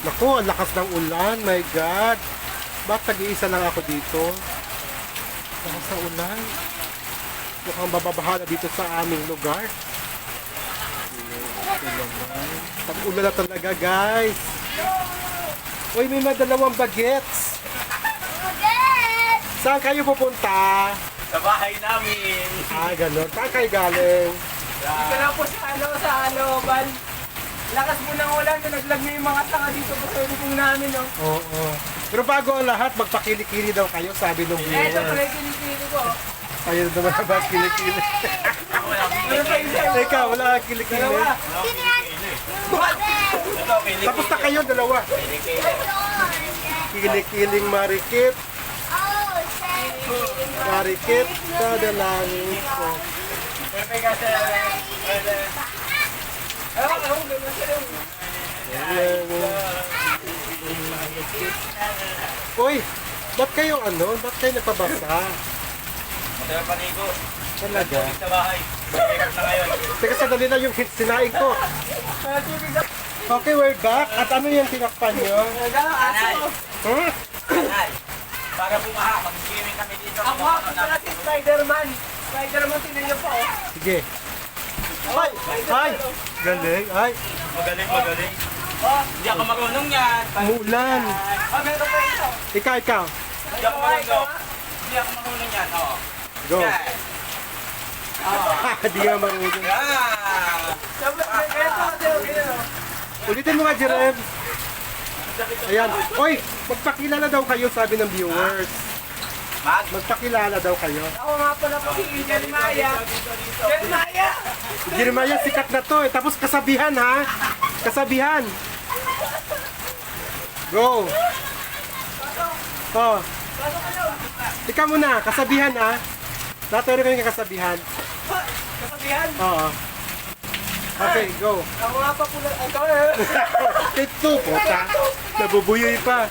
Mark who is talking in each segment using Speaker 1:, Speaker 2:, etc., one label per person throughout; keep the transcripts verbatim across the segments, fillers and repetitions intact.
Speaker 1: Naku, ang lakas ng ulan. My God. Ba't tag-iisa lang ako dito? Lakas ng ulan. Mukhang bababahala dito sa aming lugar. Tag-ulan na talaga, guys. Uy, may madalawang bagets. Saan kayo pupunta?
Speaker 2: Sa bahay namin.
Speaker 1: Ah, ganun. Saan kayo galing?
Speaker 3: Dito lang po sa ano, sa Aloban. Lakas po ng ulan, nalaglag na yung mga tanga dito po sa lubong namin, no?
Speaker 1: Oo. Pero bago ang lahat, magpakili-kili daw kayo, sabi nung
Speaker 3: Eh, ito pala
Speaker 1: viewer.
Speaker 3: yung kinikili ko.
Speaker 1: Ayun naman ba kilikili?
Speaker 3: Ano pa isa?
Speaker 1: Ikaw, wala kang kilikili.
Speaker 3: Dalawa.
Speaker 2: Ito, kilikili.
Speaker 1: Tapos na kayo, dalawa.
Speaker 2: Kilikili.
Speaker 1: Kilikiling marikit. Marikit sa dalangin ko.
Speaker 2: Pepe kasi.
Speaker 3: Ewan, ewan, ganun siya yung...
Speaker 1: Uy, ba't kayo ano? Ba't kayo napabasa?
Speaker 2: Masaya panigo.
Speaker 1: Talaga?
Speaker 2: Sa bahay. Mahirap na ngayon.
Speaker 1: Teka, sandali na yung sinaing ko. Okay, we're back. At ano yung tinakpan nyo?
Speaker 3: Nagano, aso.
Speaker 1: Huh?
Speaker 2: Ay, para bumaha, mag-swimming kami dito.
Speaker 3: Ako nga po pala si Spider-Man. Spider-Man, tinan niyo po, oh.
Speaker 1: Sige. Ay! Ay! Galing. Ay!
Speaker 2: Magaling, magaling. Oh, hindi ako marunong yan.
Speaker 1: Umuulan.
Speaker 3: Ah, meron pa ito.
Speaker 1: Ikaw, ikaw.
Speaker 2: Hindi ako marunong. Hindi ako marunong yan. Oo.
Speaker 1: Go.
Speaker 2: Yan.
Speaker 1: Di nga marunong.
Speaker 2: Yan.
Speaker 3: Sabi, ito, ito, ito.
Speaker 1: Ulitin mo nga, Jerem. Ayan. Oy, magpakilala daw kayo, sabi ng viewers.
Speaker 2: Mag.
Speaker 1: Magpakilala daw kayo.
Speaker 3: Ako nga pala po si Jeremiah. Jeremiah!
Speaker 1: Jeremiah, sikat na to eh. Tapos kasabihan ha. Kasabihan. Go. Oh. Ikaw muna, kasabihan ha. Naturo kayo ng kasabihan.
Speaker 3: Kasabihan.
Speaker 1: Oo. Okay, go.
Speaker 3: Ako nga pa pula. Ikaw eh.
Speaker 1: Ito po, ta. Nabubuyoy pa.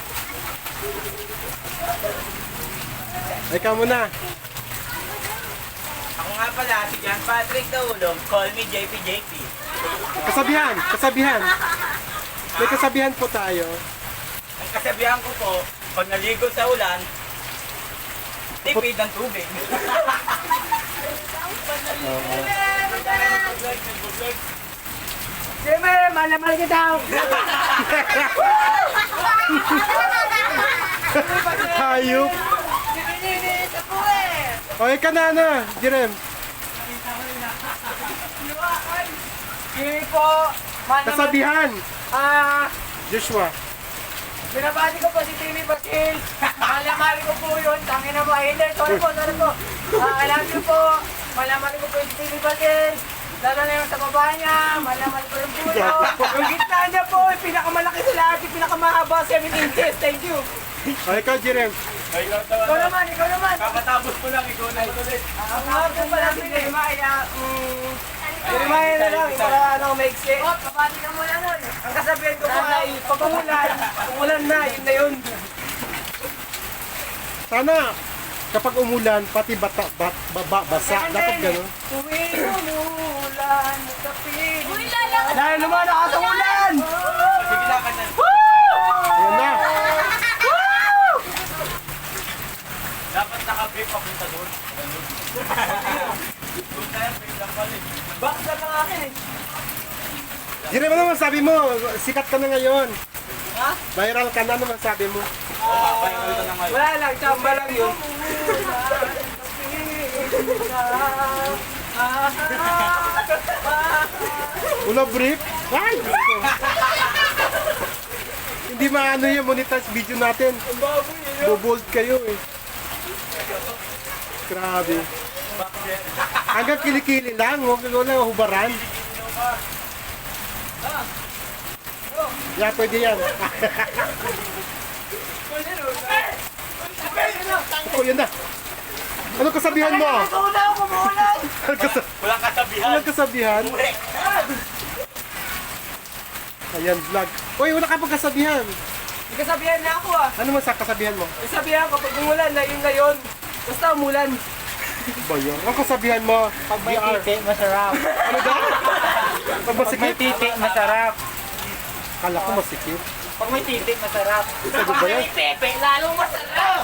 Speaker 1: Ikaw muna.
Speaker 2: Ako nga pala, si John Patrick Daulog. Call me J P J P.
Speaker 1: Kasabihan, kasabihan. May kasabihan po tayo.
Speaker 2: Ang kasabihan ko po, pag naligo sa ulan, tipid ng tubig.
Speaker 3: Jimmy, malamal kita.
Speaker 1: Hayop.
Speaker 3: Nininis ako eh.
Speaker 1: Okay ka na na, Jerem.
Speaker 3: Jimmy po. Malamal.
Speaker 1: Kasabihan.
Speaker 3: Ah,
Speaker 1: Joshua.
Speaker 3: binabati ko po si Timmy Basil. Malamari ko po yun. Tangin na ba? Hindi, sorry po, sorry po. Ah, I love you po. Malamari ko po si Timmy Basil. Lalo na yung sa baba niya. Malamari ko yung puno. Yung gitna niya po, yung pinakamalaki sa lahat. Yung pinakamahaba, seven inches. Thank you.
Speaker 1: Okay ka, Jerem.
Speaker 2: Ay, ikaw
Speaker 3: Ikaw naman, ikaw naman.
Speaker 2: Kakatapos ko lang, ikaw na ulit.
Speaker 3: Ang nga po pala si Jeremiah. Mm, Jeremiah na lang, para ano, maiksi. Oh, kabati ka muna nun. Ang kasabihan ko po ay, pag umulan, umulan na, yun na yun.
Speaker 1: Sana kapag umulan, pati bata, bat, baba, basa. Dapat gano'n.
Speaker 3: Tuwing umulan, kapit. Dahil naman nakakaulan!
Speaker 2: Sige lang ka na.
Speaker 1: Ayan na.
Speaker 2: Dapat naka-brief papunta doon. Doon tayo, brief lang pala.
Speaker 3: Bakit lang ang akin eh?
Speaker 1: Jerem, ano naman sabi mo? Sikat ka na ngayon.
Speaker 3: Ha?
Speaker 1: Viral ka na naman sabi mo.
Speaker 2: Papayagal ka na ngayon.
Speaker 3: Wala lang, tsamba lang yun.
Speaker 1: Una brief? Ay! Hindi maano yung monetize video natin.
Speaker 3: Ang baboy eh.
Speaker 1: Bobold kayo eh. Grabe. Hanggang kilikili lang, huwag mo lang hubaran. Yeah, pwede yan. Oh, yan na. Ano kasabihan mo?
Speaker 3: Una ako, umulan!
Speaker 1: Ano kasa-
Speaker 2: Walang kasabihan.
Speaker 1: ano kasabihan?
Speaker 2: Uwi.
Speaker 1: Ayan, vlog. Uy, wala ka pang kasabihan.
Speaker 3: May kasabihan na ako ah.
Speaker 1: Ano man sa kasabihan mo?
Speaker 3: May sabihan ko, pag umulan na yun na yun. Basta umulan.
Speaker 1: Ba yun? Ang kasabihan mo?
Speaker 4: Pag may
Speaker 1: V R.
Speaker 4: titi, masarap.
Speaker 1: Ano daw? Pag
Speaker 4: Pag may
Speaker 1: masikip?
Speaker 4: titi, masarap.
Speaker 1: Kala ko masikip.
Speaker 3: Pag may titik, masarap.
Speaker 1: Ano ba yan?
Speaker 3: May pepe, lalong masarap.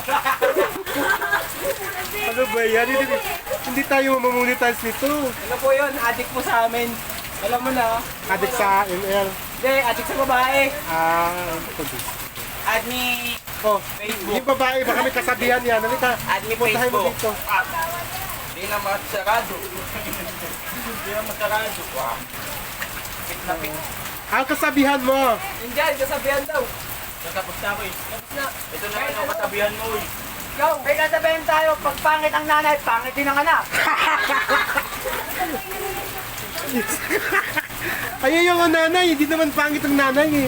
Speaker 1: Ano ba yan? Hindi, hindi tayo mamonetize nito.
Speaker 3: Ano po yun? Adik mo sa amin. Alam mo na.
Speaker 1: Adik sa M L.
Speaker 3: Hindi, adik sa babae.
Speaker 1: Ah, ito din.
Speaker 2: Add me
Speaker 1: Oh,
Speaker 2: Facebook.
Speaker 1: yung babae, baka may kasabihan yan. Halika,
Speaker 2: Add me
Speaker 1: puntahan mo
Speaker 2: Facebook.
Speaker 1: dito.
Speaker 2: Hindi na masarado. Hindi na masarado. Wow. Pit na pit.
Speaker 1: Ang kasabihan mo.
Speaker 3: Indian, kasabihan daw.
Speaker 2: Natapos na ako eh.
Speaker 3: Tapos na.
Speaker 2: Ito na ano, katabihan mo eh.
Speaker 3: Ikaw, may kasabihan tayo. Pag pangit ang nanay, pangit din ang anak.
Speaker 1: Ayun yung nanay, hindi naman pangit ang nanay eh.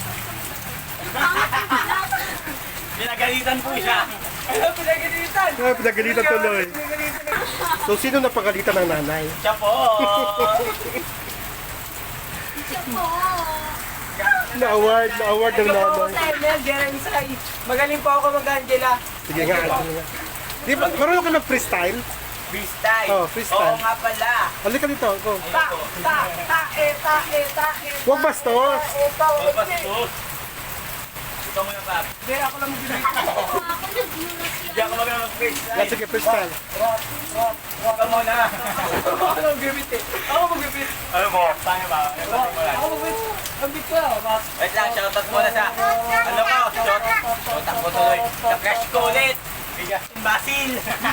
Speaker 2: Pinagalitan po siya.
Speaker 3: Ano, pinagalitan?
Speaker 1: Ah, pinagalitan tuloy.
Speaker 3: Pinagalitan.
Speaker 1: So, sino napagalitan ng nanay?
Speaker 2: Siya po.
Speaker 1: Na-award, na-award ng
Speaker 3: Ikaw po ako
Speaker 1: nanay.
Speaker 3: sa M L, Jeremy Sai. Magaling po ako mag-Angela.
Speaker 1: Sige nga, sige nga. Di ba, marunong ka ng freestyle?
Speaker 2: Freestyle.
Speaker 1: Oh, freestyle.
Speaker 2: Oo nga pala.
Speaker 1: Halika dito, go.
Speaker 3: Ta, ta, ta, e, ta, e, ta, e, ta,
Speaker 1: Huwag bastos.
Speaker 3: e, ta,
Speaker 2: Oo,
Speaker 3: e, ta.
Speaker 2: bastos. Ikaw muna pa.
Speaker 3: Hindi, ako lang mag-Angela.
Speaker 2: Hindi ako magaling mag-freestyle.
Speaker 1: Yeah, sige, freestyle.
Speaker 3: Rock, rock, rock.
Speaker 2: Ikaw muna.
Speaker 3: Ako mag-gabit eh. Ako mag-gabit.
Speaker 2: Ano mo? Paano ba? Ano ba? Wala.
Speaker 3: Ako mag-gabit. Ang bit ko, rock.
Speaker 2: Wait lang, shoutout muna sa, ano ko, shout, shoutout ko tuloy, sa crush ko ulit, kay Justin Basil.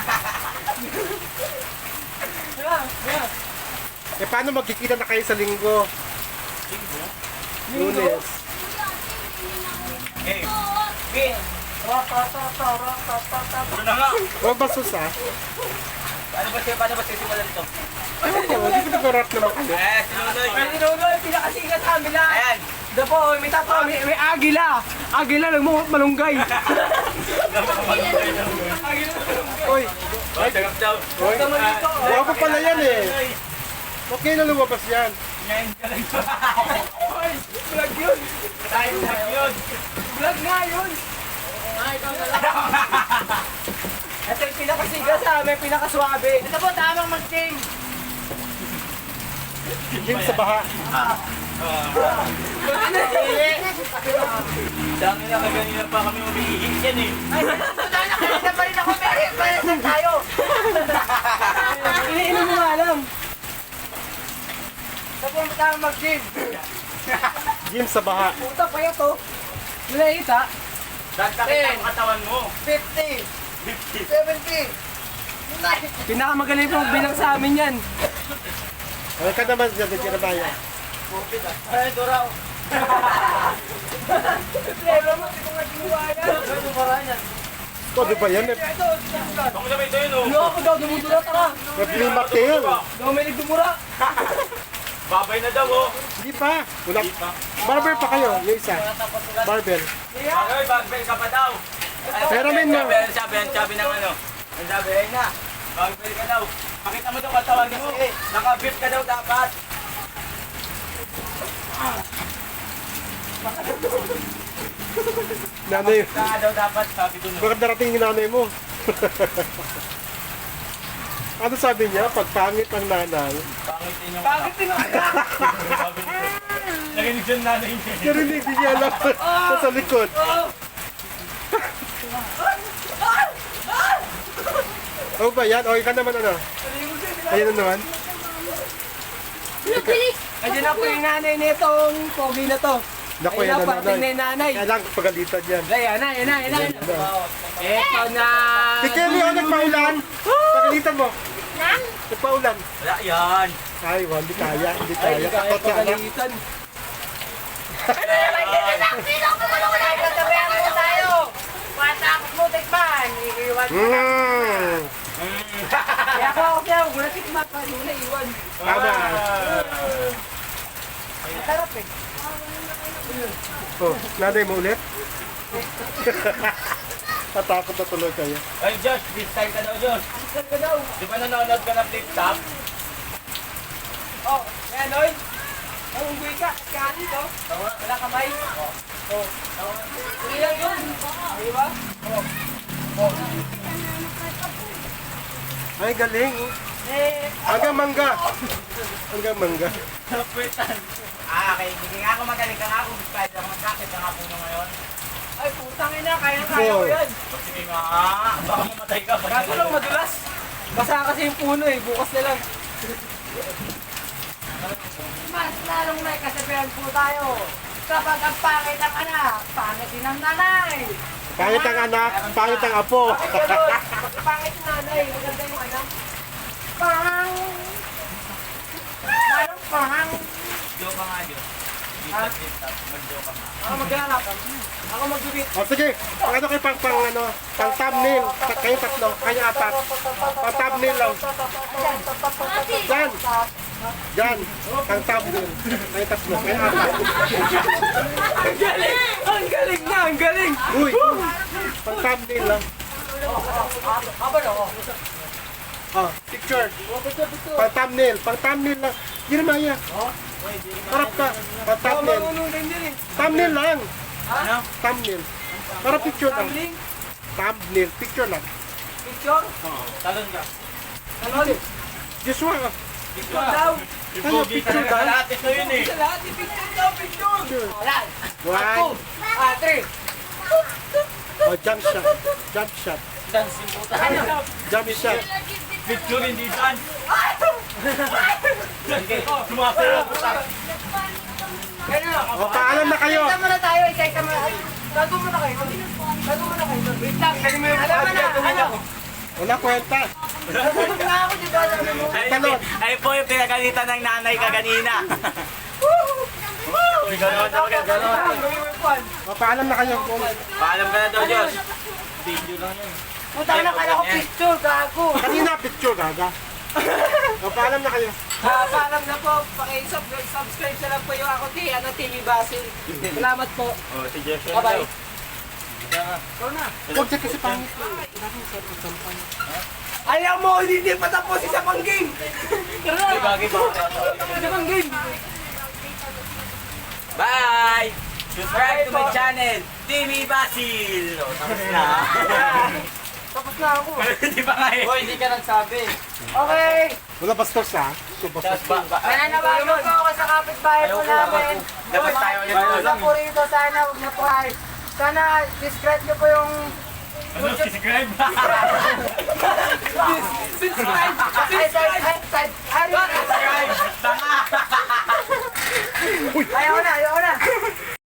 Speaker 3: Yeah, yeah.
Speaker 1: Eh, paano magkikita na kayo sa linggo? Lunes.
Speaker 2: Okay, okay,
Speaker 3: Rock, rock, rock, rock, rock, rock, rock, rock.
Speaker 2: ano na nga?
Speaker 1: Huwag bastos ah.
Speaker 2: Paano ba siya, paano ba sisimulan ito?
Speaker 1: Ewan ko, hindi ko nag-rap naman kayo.
Speaker 2: Eh, sinunoy.
Speaker 3: Pero sinunoy, pinakasikat sa amin lang.
Speaker 2: Ayan.
Speaker 3: Ito po, may tapa, may, may agila. Agila, nagmumot malunggay.
Speaker 1: Oy,
Speaker 2: Oh, tagap daw.
Speaker 1: oy.
Speaker 3: Tama dito.
Speaker 1: Guwapo pala yan eh. Ba't ngayon na lumabas yan?
Speaker 2: Ngayon ka lang.
Speaker 3: Oy, vlog yun.
Speaker 2: Tayo na yun.
Speaker 3: Vlog nga yun. Ay, ikaw na lang. Ito yung pinakasigat sa amin, pinakaswabe. Ito po, tamang mag-sing.
Speaker 1: Jim sa baha.
Speaker 2: Dami na kaganina pa kami umiihi yan eh.
Speaker 3: Ay, wala na kanina pa rin ako, Mary. Palasan tayo. Iniinom mo nga alam. Ito po, tamang mag-sing.
Speaker 1: Jim sa baha.
Speaker 3: Puta pa yan to. Wala kita.
Speaker 2: Dagdakin ang katawan mo.
Speaker 3: fifty. seventy. Pinakamagaling pong bilang sa amin yan.
Speaker 1: Ano ka naman dyan, dyan na bayan?
Speaker 2: Ay, Doraw.
Speaker 3: Pero mo, hindi ko nga ginawa yan. Ano para yan?
Speaker 1: Ito, di ba yan? May,
Speaker 3: Ito, ito.
Speaker 2: Ako sabi ito yun oh.
Speaker 3: Ano ako daw, dumudura ka.
Speaker 1: may plimak tail.
Speaker 3: Dominic dumura.
Speaker 2: Babay na daw oh.
Speaker 1: Hindi pa. Wala. Barber pa kayo, yung isa. Barber.
Speaker 3: Yeah.
Speaker 2: Ay, bagbel ka pa daw.
Speaker 1: Pero men mo.
Speaker 2: Sabi, ang sabi, ang sabi ng ano. Ang sabi, ay na. Bagbel ka daw. Pakita mo daw katawan mo. Nakabit ka daw dapat.
Speaker 1: Nanay,
Speaker 2: Saka daw dapat, sabi ko no.
Speaker 1: bakit darating yung nanay mo? Ano sabi niya? Pag pangit ang nanay.
Speaker 2: Pangit din yung
Speaker 3: Bakit tinakda?
Speaker 2: sabi nito. Nakinig siya nanay niya.
Speaker 1: Narinig din niya alam sa likod. Ano ba yan? O, ikaw naman ano? Ayun na naman.
Speaker 3: Ayun na po yung nanay nitong pogi na to.
Speaker 1: Naku,
Speaker 3: Ayun
Speaker 1: yan
Speaker 3: na,
Speaker 1: na
Speaker 3: parating na
Speaker 1: nanay.
Speaker 3: yung nanay.
Speaker 1: Kailangan pagalitan yan.
Speaker 3: Ayan na, ayan na, ayan na. Ito na.
Speaker 1: Si Kelly, o nagpaulan? Pagalitan mo. Nagpaulan.
Speaker 2: Wala yan.
Speaker 1: Ay, well, hindi kaya. Hindi
Speaker 3: Ay,
Speaker 1: kaya.
Speaker 3: hindi kaya
Speaker 1: Takot ka anak.
Speaker 3: pagalitan. Katabayan mo tayo. Patakot mo, tikman. Iiwan mo.
Speaker 1: Mm.
Speaker 3: Kaya ako ako siya, huwag mo na tikman pa. Hindi mo na iwan.
Speaker 1: Tama.
Speaker 3: Masarap eh.
Speaker 1: Oh, nanay mo ulit? Natakot na tuloy kayo.
Speaker 2: Ay, Josh, this time ka daw, Josh.
Speaker 3: Saan ka daw?
Speaker 2: Di ba nanonood ka na flip-top?
Speaker 3: Oh, ayan, Noy. Ang unggoy ka. Kaya dito. Wala kamay. Oh. Hindi lang yun. Di ba? Oh.
Speaker 1: Ay, galing.
Speaker 3: Eh,
Speaker 1: Hanggang mangga. Hanggang mangga.
Speaker 2: Kapitan. Ah, akin. Hindi nga ako magaling ka nga ako. Kahit ako magkakit ka nga po nyo ngayon.
Speaker 3: Ay, putang ina, kaya-kaya ko
Speaker 1: Four.
Speaker 3: yan.
Speaker 2: Sige nga, baka mamatay ka.
Speaker 3: Kaso lang madulas. Basa kasi yung puno eh, bukas na lang. Mas lalong may kasabihan po tayo. Kapag ang pangit ang anak, pangit din ang nanay.
Speaker 1: Pangit ang anak, pangit ang apo.
Speaker 3: Bakit ganun? Pag pangit yung nanay, maganda yung anak. Pang! Parang pang!
Speaker 2: Joke ka nga, Diyos.
Speaker 3: Ha?
Speaker 2: Mag-joke ka nga.
Speaker 3: Ako maglalap. Ako magbibit.
Speaker 1: O sige, pang ano kayo pang, pang ano, pang thumbnail. Ta- Kayo tatlo, kayo apat. Pang thumbnail lang. Diyan. Diyan, pang thumbnail. Kayo tatlo, kayo apat.
Speaker 3: Ang galing! Ang galing na! Ang galing!
Speaker 1: Uy, pang thumbnail lang.
Speaker 3: Aba na ako.
Speaker 1: Oh, picture. Pang thumbnail, pang thumbnail lang. Jeremiah, harap ka. Pang
Speaker 3: Ako
Speaker 1: thumbnail.
Speaker 3: marunong din din eh.
Speaker 1: Thumbnail lang.
Speaker 2: Ano?
Speaker 1: Thumbnail. Para picture lang.
Speaker 3: Tumbling?
Speaker 1: Thumbnail, picture lang.
Speaker 3: Picture?
Speaker 2: Talon ka.
Speaker 3: Talon?
Speaker 1: Joshua,
Speaker 3: Picture daw.
Speaker 1: ano picture ka?
Speaker 2: Lahat ito yun eh.
Speaker 3: Sa lahat, picture daw, picture.
Speaker 1: Picture.
Speaker 3: Wala.
Speaker 1: One.
Speaker 3: Ah, three.
Speaker 1: Oh, jump shot. Jump shot.
Speaker 2: Dancing puta.
Speaker 1: Jump shot.
Speaker 2: Picture hindi dance. Sige, sumasayaw puta.
Speaker 3: Ganun.
Speaker 1: O, paalam na kayo.
Speaker 3: Isa muna tayo, isa isa muna. Ay, Gago muna kayo. Gago muna kayo. Wait lang, galing mo yung alam mo na, ano?
Speaker 1: Wala kwenta.
Speaker 3: Nagulog na ako, di ba? Alam mo.
Speaker 2: Ay,
Speaker 1: Talon.
Speaker 2: ay po yung pinagalitan ng nanay ka kanina. Uy, gano'n daw, gano'n.
Speaker 3: Gawin mo yung kwan.
Speaker 1: O, paalam na kayo.
Speaker 2: Paalam ka na daw, Diyos. Video lang yun.
Speaker 3: Puta na kala ko picture, gago.
Speaker 1: Kanina picture, gaga. O, paalam na kayo.
Speaker 3: Ah, paalam na po. Paki-subscribe na lang po yung ako, T. Ano, T V Basil. Salamat po.
Speaker 2: Oh, si Diyos yun
Speaker 3: Bye-bye.
Speaker 2: daw.
Speaker 3: Ikaw na.
Speaker 1: Huwag siya kasi pangit.
Speaker 3: Ayaw mo, hindi pa tapos isa pang game. Tara
Speaker 2: Ay,
Speaker 3: na.
Speaker 2: bagay ba?
Speaker 3: Isa pang game.
Speaker 2: Bye! Subscribe to my channel, Timmy Basil! O, tapos na.
Speaker 3: Tapos na ako.
Speaker 2: Hindi pa nga eh. hindi ka nagsabi.
Speaker 3: Okay.
Speaker 1: Wala bastos ha. Ito bastos.
Speaker 2: Tapos ba? ba-
Speaker 3: Mananabagan po ako sa kapitbahay po namin.
Speaker 2: Dapat tayo ulit
Speaker 3: Yung
Speaker 2: doon.
Speaker 3: Isa po rito, sana huwag na po ay. Sana discreet niyo po yung...
Speaker 2: Ano, subscribe?
Speaker 3: Subscribe! Subscribe!
Speaker 2: Subscribe! Tanga!
Speaker 3: Ayaw na, ayaw